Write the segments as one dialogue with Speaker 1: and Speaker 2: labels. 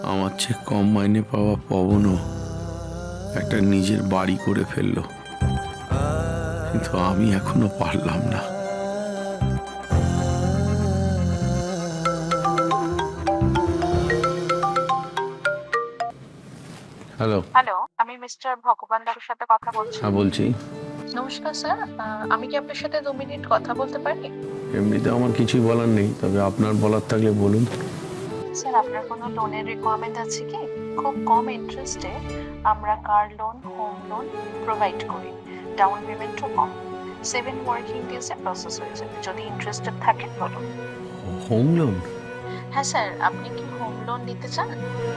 Speaker 1: আমার চেয়ে কম মাইনে পাওয়া পবনও একটা নিজের বাড়ি করে ফেললো, কিন্তু আমি এখনো পারলাম না। হ্যালো।
Speaker 2: হ্যালো, আমি মিস্টার ভগবান দাসের সাথে কথা বলছি।
Speaker 1: হ্যাঁ বলছি।
Speaker 2: নমস্কার স্যার, আমি কি আপনার সাথে 2 মিনিট কথা বলতে পারি?
Speaker 1: এমনিতে আমার কিছুই বলার নেই, তবে আপনার বলার থাকলে বলুন।
Speaker 2: স্যার, আপনার কোনো লোনের রিকোয়ারমেন্ট আছে কি? খুব কম ইন্টারেস্টে আমরা car loan, home loan provide করি। ডাউন পেমেন্টও কম। 7 ওয়ার্কিং ডেজে প্রসেস হয়ে যাবে। যদি ইন্টারেস্টেড থাকেন বলুন।
Speaker 1: Home loan?
Speaker 2: হ্যাঁ স্যার, আপনি কি হোম লোন নিতে চান?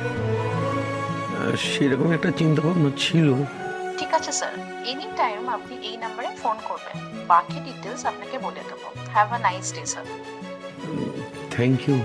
Speaker 1: সেরকম একটা চিন্তা ভাবনা ছিল।
Speaker 2: ঠিক আছে স্যার, এনি টাইম আপনি এই নাম্বারে ফোন করবেন। বাকি ডিটেলস আপনাকে বলে দেবো। Have a nice day sir.
Speaker 1: Thank you.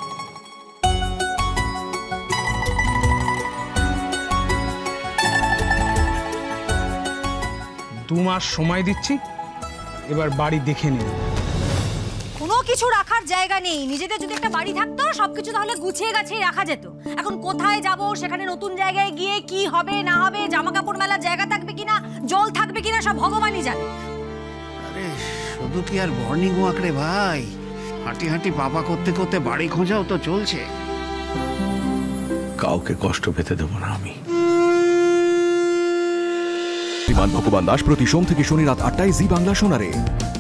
Speaker 3: দু মাস সময় দিচ্ছি, এবার বাড়ি দেখে নিন।
Speaker 4: কোনো কিছু রাখার জায়গা নেই। নিজেদের যদি একটা বাড়ি থাকতো সবকিছু তাহলে গুছিয়ে গাছিয়ে রাখা যেত। এখন কোথায় যাব, সেখানে নতুন জায়গায় গিয়ে কি হবে না হবে, জামা কাপড় মেলার জায়গা থাকবে কিনা, জল থাকবে কিনা, সব ভগবানই জানে।
Speaker 5: আরে শুধু কি আর মর্নিং ওয়াক রে ভাই, হাঁটি হাঁটি পাপা করতে করতে বাড়ি খোঁজাও তো চলছে।
Speaker 1: কাউকে কষ্ট পেতে দেবো না আমি।
Speaker 6: বিমান ভগবান দাস প্রতি সোম থেকে শনি রাত 8টায় জি বাংলা শোনারে।